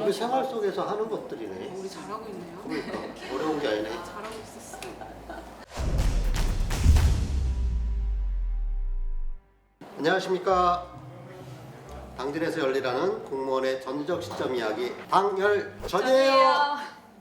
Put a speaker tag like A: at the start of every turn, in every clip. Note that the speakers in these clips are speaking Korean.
A: 우리 생활 속에서 하는 것들이네.
B: 우리 잘하고 있네요.
A: 그러니까 어려운 게 아니네.
B: 잘하고 있었어.
A: 안녕하십니까. 당진에서 열리라는 공무원의 전적 시점 이야기 방열전이에요.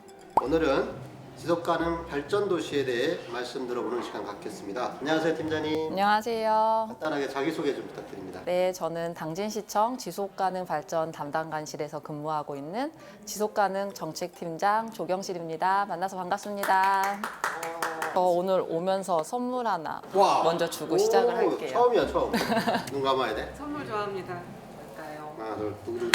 A: 오늘은 지속가능 발전 도시에 대해 말씀 들어보는 시간 갖겠습니다. 안녕하세요, 팀장님.
C: 안녕하세요.
A: 간단하게 자기소개 좀 부탁드립니다.
C: 네, 저는 당진시청 지속가능 발전 담당관실에서 근무하고 있는 지속가능 정책팀장 조경실입니다. 만나서 반갑습니다. 저 오늘 오면서 선물 하나
A: 와.
C: 먼저 주고 시작을 할게요.
A: 처음이야, 처음. 눈 감아야 돼.
B: 선물 좋아합니다. 뭘까요?
A: 하나, 둘,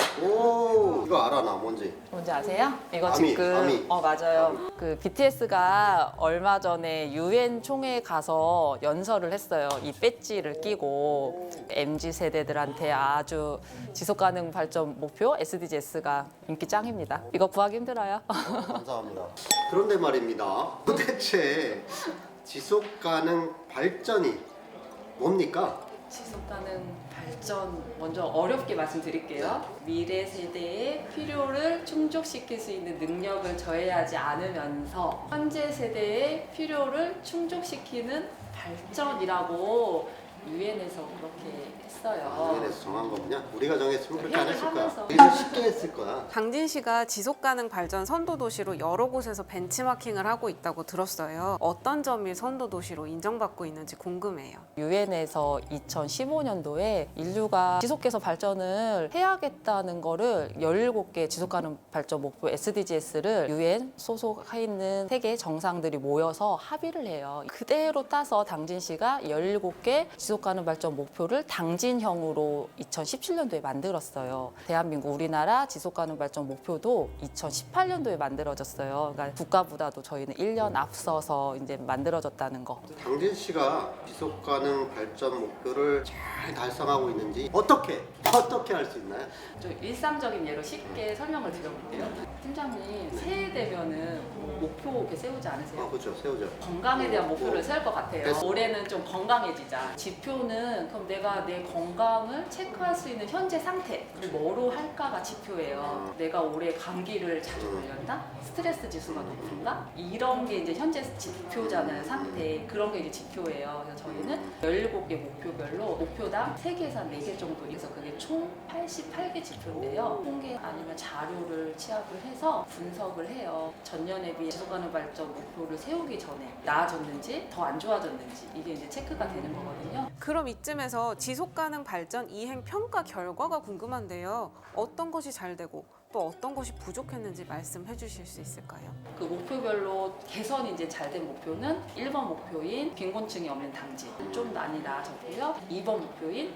A: 오, 이거 알아, 나 뭔지.
C: 뭔지 아세요? 이거
A: 아미,
C: 지금
A: 아미.
C: 맞아요. 그 BTS가 얼마 전에 UN 총회에 가서 연설을 했어요. 이 배지를 끼고 MZ 세대들한테 아주 지속 가능 발전 목표 SDGs가 인기 짱입니다. 이거 구하기 힘들어요.
A: 감사합니다. 그런데 말입니다. 도대체 지속 가능 발전이 뭡니까?
C: 지속 가능 발전 먼저 어렵게 말씀드릴게요. 미래 세대의 필요를 충족시킬 수 있는 능력을 저해하지 않으면서 현재 세대의 필요를 충족시키는 발전이라고 유엔에서 그렇게 했어요.
A: 유엔에서 정한 거냐? 우리가 정했으면 그렇게 안
C: 회의를
A: 했을 거야.
C: 하면서.
A: 우리는 쉽게 했을 거야.
B: 당진시가 지속가능 발전 선도도시로 여러 곳에서 벤치마킹을 하고 있다고 들었어요. 어떤 점이 선도도시로 인정받고 있는지 궁금해요.
C: 유엔에서 2015년도에 인류가 지속해서 발전을 해야겠다는 거를 17개 지속가능 발전 목표 SDGs를 유엔 소속해 있는 세계 정상들이 모여서 합의를 해요. 그대로 따서 당진시가 17개 지속가능 발전 목표를 당진형으로 2017년도에 만들었어요. 대한민국 우리나라 지속가능 발전 목표도 2018년도에 만들어졌어요. 그러니까 국가보다도 저희는 1년 앞서서 이제 만들어졌다는 거.
A: 당진시가 지속 가능 발전 목표를 잘 달성하고 있는지 어떻게 할 수 있나요?
C: 좀 일상적인 예로 쉽게 설명을 드려볼게요. 팀장님, 새해 되면은 목표 이렇게 세우지 않으세요?
A: 그렇죠. 세우죠.
C: 건강에 대한 목표를 세울 것 같아요.
A: 됐어.
C: 올해는 좀 건강해지자. 지표는 그럼 내가 내 건강을 체크할 수 있는 현재 상태를 뭐로 할까가 지표예요. 내가 올해 감기를 자주 걸렸나? 스트레스 지수가 높은가? 이런 게 이제 현재 지표잖아요. 상태. 그런 게 이제 지표예요. 그래서 저희는 17개 목표별로 목표당 3개에서 4개 정도 있어서 그게 총 88개 지표인데요. 통계 아니면 자료를 취합을 해서 분석을 해요. 전년에 비해 지속가능 발전 목표를 세우기 전에 나아졌는지 더 안 좋아졌는지 이게 이제 체크가 되는 거거든요.
B: 그럼 이쯤에서 지속가능 발전 이행 평가 결과가 궁금한데요. 어떤 것이 잘 되고 또 어떤 것이 부족했는지 말씀해 주실 수 있을까요?
C: 그 목표별로 개선이 이제 잘 된 목표는 1번 목표인 빈곤층이 없는 당진 좀 많이 나아졌고요. 2번 목표인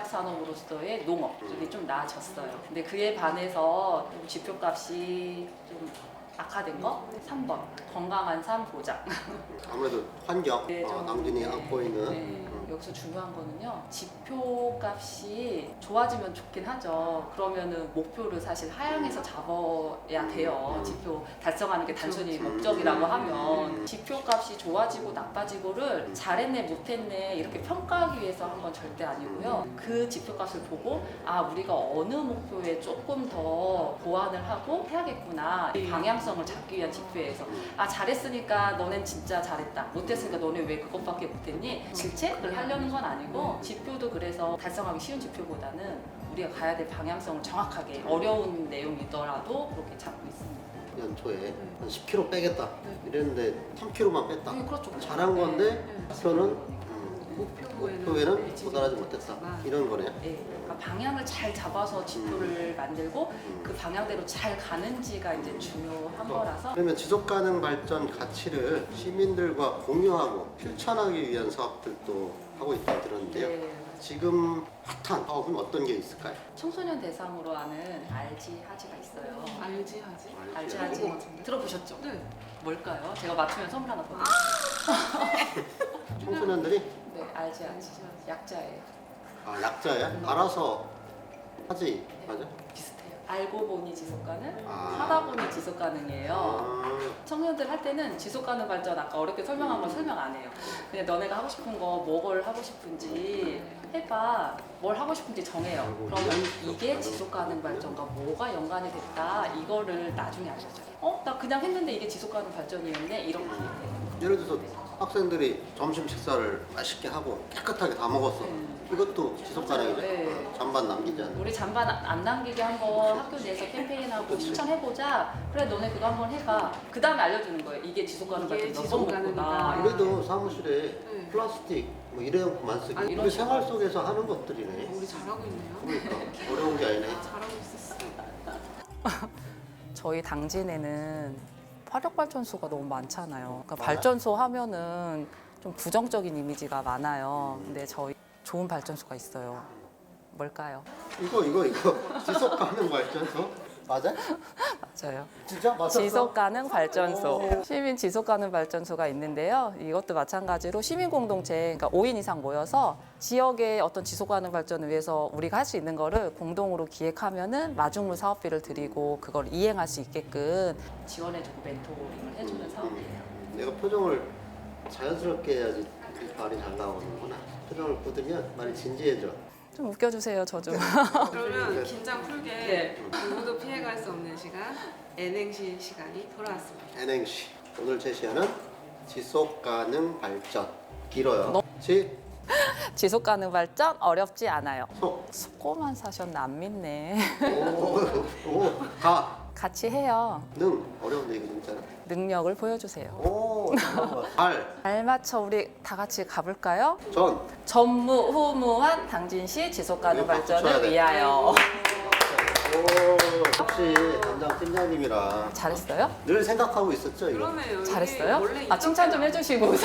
C: 전략산업으로서의 농업 이게 좀 나아졌어요. 근데 그에 반해서 좀 지표값이 좀 악화된 거 3번 건강한 삶 보장.
A: 아무래도 환경,
C: 네, 좀,
A: 당진이
C: 네,
A: 안고 있는
C: 네. 여기서 중요한 거는요. 지표값이 좋아지면 좋긴 하죠. 그러면은 목표를 사실 하향해서 잡아야 돼요. 지표 달성하는 게 단순히 목적이라고 하면 지표값이 좋아지고 나빠지고를 잘했네 못했네 이렇게 평가하기 위해서 한 건 절대 아니고요. 그 지표값을 보고 아 우리가 어느 목표에 조금 더 보완을 하고 해야겠구나 이 방향성을 잡기 위한 지표에서 아 잘했으니까 너넨 진짜 잘했다 못했으니까 너네 왜 그것밖에 못했니 질책을 하려는 건 아니고 지표도 그래서 달성하기 쉬운 지표보다는 우리가 가야 될 방향성을 정확하게 어려운 내용이더라도 그렇게 잡고 있습니다.
A: 연초에 한 10kg 빼겠다 이랬는데 3kg만 뺐다.
C: 그렇죠.
A: 잘한 건데 목표는 목표에는
C: 네,
A: 도달하지 못했다. 이런 거네요.
C: 네, 그러니까 방향을 잘 잡아서 지표를 만들고 그 방향대로 잘 가는지가 이제 중요한 거라서
A: 그러면 지속 가능 발전 가치를 시민들과 공유하고 실천하기 위한 사업들도 하고 있다고 들었는데요.
C: 네,
A: 지금 핫한 사업은 어떤 게 있을까요?
C: 청소년 대상으로 하는 알지 하지가 있어요.
B: 알지 하지?
C: 알지
B: 알것
C: 하지
B: 같은데?
C: 들어보셨죠?
B: 네.
C: 뭘까요? 제가 맞추면 선물 하나 더 드릴게요.
A: 청소년들이
C: 네, 알지 하지 약자예요.
A: 약자야? 알아서 하지. 맞아?
C: 비슷해요. 알고 보니 지속 가능,
A: 아.
C: 하다 보니 지속 가능이에요. 청년들 할 때는 지속 가능 발전 아까 어렵게 설명한 걸 설명 안 해요. 그냥 너네가 하고 싶은 거 뭘 하고 싶은지 해봐. 뭘 하고 싶은지 정해요.
A: 아이고,
C: 그러면
A: 이런
C: 이게
A: 거
C: 지속가능 발전과 뭐가 연관이 됐다. 이거를 나중에 알려줘요. 나 그냥 했는데 이게 지속가능 발전이었네. 이렇게 돼요.
A: 예를 들어서 학생들이 점심 식사를 맛있게 하고 깨끗하게 다 먹었어. 이것도 지속 가능이죠.
C: 네.
A: 잔반 남기지 않는.
C: 우리 잔반 안 남기게 한번 학교 내에서 캠페인하고
A: 그치.
C: 실천해보자. 그래 너네 그거 한번 해봐. 그 다음에 알려주는 거예요. 이게 지속가능
B: 이게
C: 발전 몇번
B: 지속가능이다.
C: 먹구나.
A: 우리도 사무실에
B: 네.
A: 플라스틱 뭐 일회용품 안 쓰기
B: 아니,
A: 우리
C: 이런
A: 생활 속에서 하는 것들이네.
B: 우리 잘하고 있네요.
A: 그러니까 어려운 게 아니네.
B: 잘하고 있었어.
D: 저희 당진에는 화력발전소가 너무 많잖아요. 그러니까
A: 맞아요.
D: 발전소 하면은 좀 부정적인 이미지가 많아요. 근데 저희 좋은 발전소가 있어요. 뭘까요?
A: 이거 지속 가능 발전소 맞아?
D: 맞아요.
A: 진짜 맞았어?
D: 지속 가능 발전소.
A: 오.
D: 시민 지속 가능 발전소가 있는데요. 이것도 마찬가지로 시민 공동체, 그러니까 5인 이상 모여서 지역의 어떤 지속 가능 발전을 위해서 우리가 할 수 있는 거를 공동으로 기획하면은 마중물 사업비를 드리고 그걸 이행할 수 있게끔
C: 지원해주고 멘토링을 해주는 사업이에요.
A: 내가 표정을 자연스럽게 해야지 말이 잘 나오는구나. 표정을 굳으면 말이 진지해져.
D: 좀 웃겨주세요, 저 좀.
B: 그러면 긴장 풀게
C: 네.
B: 누구도 피해갈 수 없는 시간 N행시 시간이 돌아왔습니다.
A: N행시 오늘 제시하는 지속 가능 발전 길어요.
D: 지속 가능 발전 어렵지 않아요.
A: 소,
D: 속고만 사셨나 안 믿네. 같이 해요.
A: 능 어려운데 이거 진짜로.
D: 능력을 보여주세요.
A: 오, 잠깐만.
D: 잘 맞춰 우리 다 같이 가볼까요?
A: 전.
D: 전무후무한 당진시 지속 가능
A: 이거 붙여야
D: 발전을
A: 돼.
D: 위하여.
A: 오, 혹시 담당 팀장님이라
D: 잘했어요?
A: 늘 생각하고 있었죠 이거.
B: 그러네요. 이게
D: 잘했어요?
B: 원래
D: 아 칭찬 좀 해주시고 우선.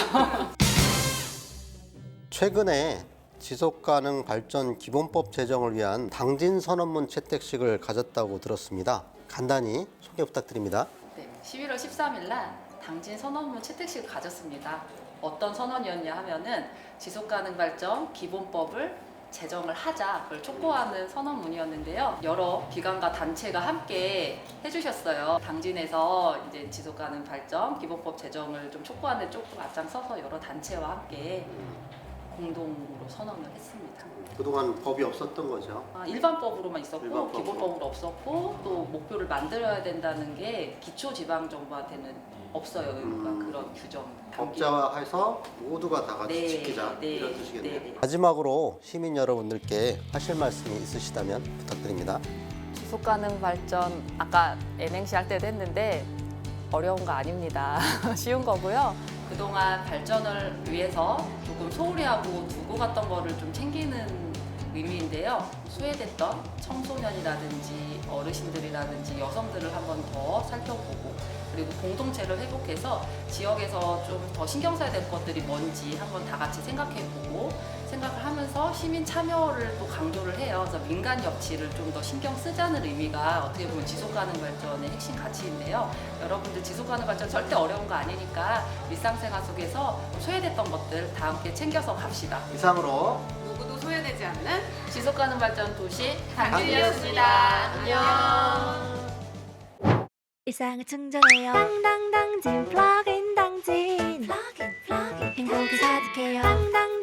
A: 최근에 지속가능 발전 기본법 제정을 위한 당진 선언문 채택식을 가졌다고 들었습니다. 간단히 소개 부탁드립니다.
C: 네, 11월 13일 날 당진 선언문 채택식을 가졌습니다. 어떤 선언이었냐 하면은 지속가능 발전 기본법을 제정을 하자 그걸 촉구하는 선언문이었는데요. 여러 기관과 단체가 함께 해주셨어요. 당진에서 이제 지속가능 발전 기본법 제정을 좀 촉구하는 쪽으로 앞장서서 여러 단체와 함께 공동으로 선언을 했습니다.
A: 그동안 법이 없었던 거죠.
C: 일반법으로만 있었고
A: 일반법으로.
C: 기본법으로 없었고 또 목표를 만들어야 된다는 게 기초지방정부한테는 없어요. 의무가 그런 규정 담긴.
A: 법제화해서 모두가 다 같이
C: 네,
A: 지키자
C: 네,
A: 이런 뜻이겠네요.
C: 네, 네.
A: 마지막으로 시민 여러분들께 하실 말씀이 있으시다면 부탁드립니다.
D: 지속 가능 발전 아까 N행시 할 때도 했는데 어려운 거 아닙니다. 쉬운 거고요.
C: 그동안 발전을 위해서 조금 소홀히 하고 두고 갔던 거를 좀 챙기는 의미인데요. 소외됐던 청소년이라든지 어르신들이라든지 여성들을 한번 더 살펴보고 그리고 공동체를 회복해서 지역에서 좀 더 신경 써야 될 것들이 뭔지 한번 다 같이 생각해보고 생각을 하면서 시민 참여를 또 강조를 해요. 그래서 민간 역치를 좀 더 신경 쓰자는 의미가 어떻게 보면 지속가능 발전의 핵심 가치인데요. 여러분들 지속가능 발전 절대 어려운 거 아니니까 일상생활 속에서 소외됐던 것들 다 함께 챙겨서 갑시다.
A: 이상으로
B: 누구도 소외되지 않는
C: 지속가능 발전 도시
B: 당진이었습니다. 안녕.
E: 일상을 충전해요 당당당진 플러그인 당진 행복이 가득해요 당당